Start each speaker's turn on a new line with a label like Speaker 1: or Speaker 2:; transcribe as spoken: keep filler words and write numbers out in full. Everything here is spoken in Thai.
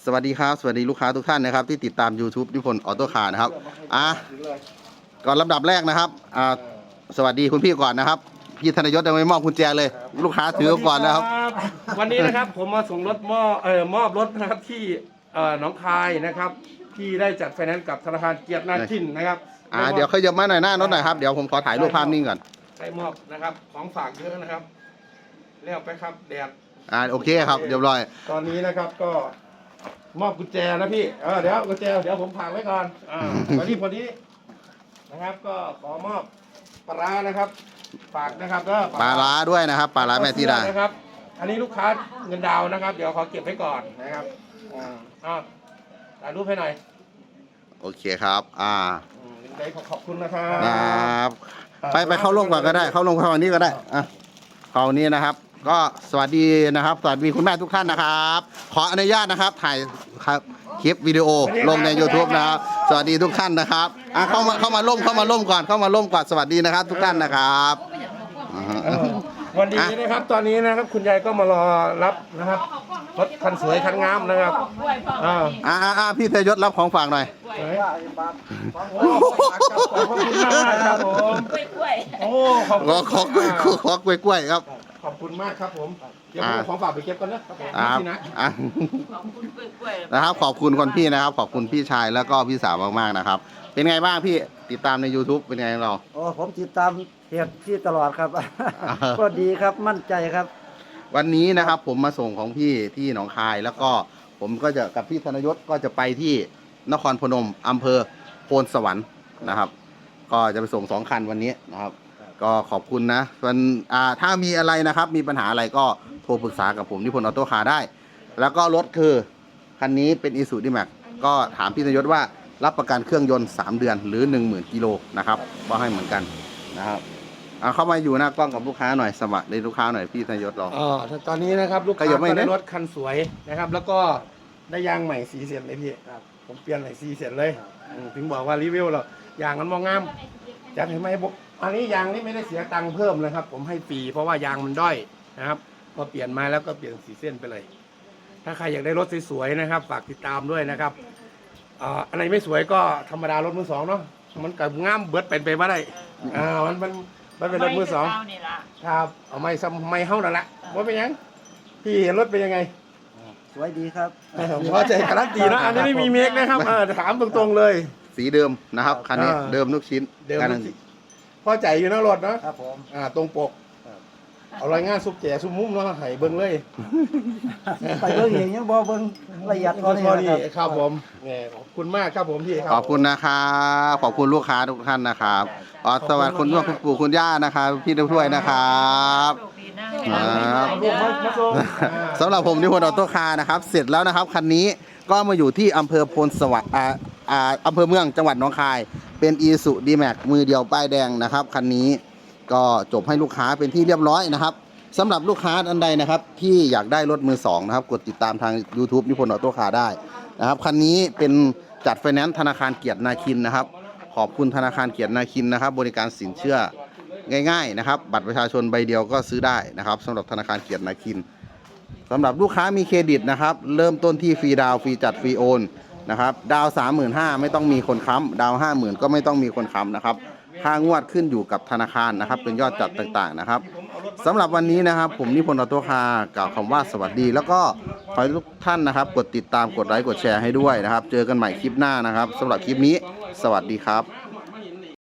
Speaker 1: สวัสดีครับสวัสดีลูกค้าทุกท่านนะครับที่ติดตาม YouTube นิพนธ์ออโต้คาร์นะครับอ่ะก่อนลำดับแรกนะครับอ่าสวัสดีคุณพี่ก่อนนะครับพี่ธนยศยังไม่มอบกุญแจเลยลูกค้าถือก่อนนะครับ
Speaker 2: วันนี้นะครับผมมาส่งรถมอบเอ่อมอบรถนะครับที่เอ่อหนองคายนะครับที่ได้จัดไฟแนนซ์กับธนาคารเกียรตินาคินนะครับ
Speaker 1: อ่าเดี๋ยวเขายกมาหน่อยหน้ารถหน่อยครับเดี๋ยวผมขอถ่ายรูปภาพนิ่งก่อน
Speaker 2: ได้มอบนะครับของฝากเยอะนะครับเรียกไปครับแดด
Speaker 1: อ่าโอเคครับเรียบร้อย
Speaker 2: ตอนนี้นะครับก็มอบกุญแจนะพี่เออเดี๋ยวกุญแจเดี๋ยวผมฝากไว้ก่อนอ่าวันนี้พอดีนะครับก็ขอมอบปลาร้านะครับฝากนะครับก็
Speaker 1: ปลาร้าด้วยนะครับปลาร้าแม่ที่ดา
Speaker 2: นะครับอันนี้ลูกค้าเงินดาวนะครับเดี๋ยวขอเก็บไว้ก่อนนะครับอ่าอ่าถ่ายรูปให้หน่อย
Speaker 1: โอเคครับอ่า
Speaker 2: ได้ขอบคุณนะครับ
Speaker 1: ครับไปไปเข้าร่วมก่อนก็ได้เข้าร่วมเข้าวันนี้ก็ได้อ่ะเข้านี้นะครับก็สวัสดีนะครับสวัสดีคุณแม่ทุกท่านนะครับขออนุญาตนะครับถ่ายครับคลิปวิดีโอลงใน YouTube นะครับสวัสดีทุกท่านนะครับอ่ะเข้ามาเข้ามาร่วมเข้ามาร่วมก่อนเข้ามาร่วมก่อนสวัสดีนะครับทุกท่านนะครับ
Speaker 2: วันนี้นะครับตอนนี้นะครับคุณยายก็มารอรับนะครับรถคันสวยคันงามนะครับอ่า
Speaker 1: อ่าอ่าพี่ธนยศรับของฝากหน่อย
Speaker 2: ขอบคุณมากครับผมโอ้ขอบคุณ
Speaker 1: ขอกล้วยขอกล้วยกล้วยครับ
Speaker 2: ขอบคุณมากครับผมเดี๋ยวผมของฝากไปเก็บก่อนนะครับ
Speaker 1: ผมนะนะครับขอบคุณคนพี่นะครับขอบคุณพี่ชายแล้วก็พี่สาวมากๆนะครับเป็นไงบ้างพี่ติดตามใน YouTube เป็นไงเรา
Speaker 3: โอ้ผมติดตามเพจพี่ตลอดครับก็ดีครับมั่นใจครับ
Speaker 1: วันนี้นะครับผมมาส่งของพี่ที่หนองคายแล้วก็ผมก็จะกับพี่ธนยศก็จะไปที่นครพนมอำเภอโพนสวรรค์นะครับก็จะไปส่งสองคันวันนี้นะครับก็ขอบคุณนะส่วนอ่าถ้ามีอะไรนะครับมีปัญหาอะไรก็โทรปรึกษากับผมนิพนธ์ออโต้คาร์ได้แล้วก็รถคือคันนี้เป็น Isuzu D-Max ก็ถามพี่ธนยศว่ารับประกันเครื่องยนต์สามเดือนหรือ หนึ่งหมื่น กิโลนะครับก็ให้เหมือนกันนะครับเอาเข้ามาอยู่หน้ากล้องกับลูกค้าหน่อยสมัครในลูกค้าหน่อยพี่ธนยศเรา
Speaker 2: อ๋อตอนนี้นะครับลูกค้าได้รถคันสวยนะครับแล้วก็ได้ยางใหม่สีเสียนเลยพี่ผมเปลี่ยนใหม่สีเสียนเลยถึงบอกว่ารีวิวเรายางมันมองงามอยากเห็นไหมบอกอันนี้ยางนี่ไม่ได้เสียตังค์เพิ่มเลยครับผมให้ฟรีเพราะว่ายางมันด้อยนะครับพอเปลี่ยนมาแล้วก็เปลี่ยนสีเส้นไปเลยถ้าใครอยากได้รถสวยๆนะครับฝากติดตามด้วยนะครับอันไหนไม่สวยก็ธรรมดารถมือสองเนาะมันกับง่ามเบิดเป็นไปไม่ได้อ่ามันมันมันเป็นรถมือสองครับเอาไม่ซ้ำไม่เฮ้านั่นแหละว่าเป็นยังพี่เห็นรถเป็นยังไง
Speaker 3: สวยดีครับ
Speaker 2: ผมว่าใจการันตีนะอันนี้ไม่มีเมคนะครับถามตรงๆเลย
Speaker 1: สีเดิมนะครับคันนี้เดิมทุกชิ้น
Speaker 2: เดิมพอใจอยู่นะรถนะครับ
Speaker 3: ผม
Speaker 2: อ่าตรงปกเอารายงานซุปแก่ซุปมุ้มเนาะให้เบิ้งเลย
Speaker 3: ไปเบิ้งเองยังบ่เบิ้งละเอียดพอ
Speaker 2: ดีครับผมขอบคุณมากครับผมพี่
Speaker 1: ขอบคุณนะครับขอบคุณลูกค้าทุกท่านนะครับอ๋อสวัสดีคุณพ่อคุณปู่คุณย่านะครับพี่ด้วยวยนะครับสำหรับผมนิพนธ์ออโต้คาร์นะครับเสร็จแล้วนะครับคันนี้ก็มาอยู่ที่อำเภอโพนสวรรค์อ่าอ่าอำเภอเมืองจังหวัดหนองคายเป็น Isuzu D-Max มือเดียวป้ายแดงนะครับคันนี้ก็จบให้ลูกค้าเป็นที่เรียบร้อยนะครับสำหรับลูกค้าอันใดนะครับที่อยากได้รถมือสองนะครับกดติดตามทาง YouTube นิพนธ์ออโต้คาร์ได้นะครับคันนี้เป็นจัดไฟแนนซ์ธนาคารเกียรตินาคินนะครับขอบคุณธนาคารเกียรตินาคินนะครับบริการสินเชื่อง่ายๆนะครับบัตรประชาชนใบเดียวก็ซื้อได้นะครับสำหรับธนาคารเกียรตินาคินสำหรับลูกค้ามีเครดิตนะครับเริ่มต้นที่ฟรีดาวฟรีจัดฟรีโอนนะครับดาว สามหมื่นห้าพัน ไม่ต้องมีคนค้ำดาว ห้าหมื่น ก็ไม่ต้องมีคนค้ำนะครับค่างวดขึ้นอยู่กับธนาคารนะครับเป็นยอดจัดต่างๆนะครับสำหรับวันนี้นะครับผมนิพนธ์ออโต้คาร์กล่าวคำว่าสวัสดีแล้วก็ขอให้ทุกท่านนะครับกดติดตามกดไลค์กดแชร์ให้ด้วยนะครับเจอกันใหม่คลิปหน้านะครับสำหรับคลิปนี้สวัสดีครับ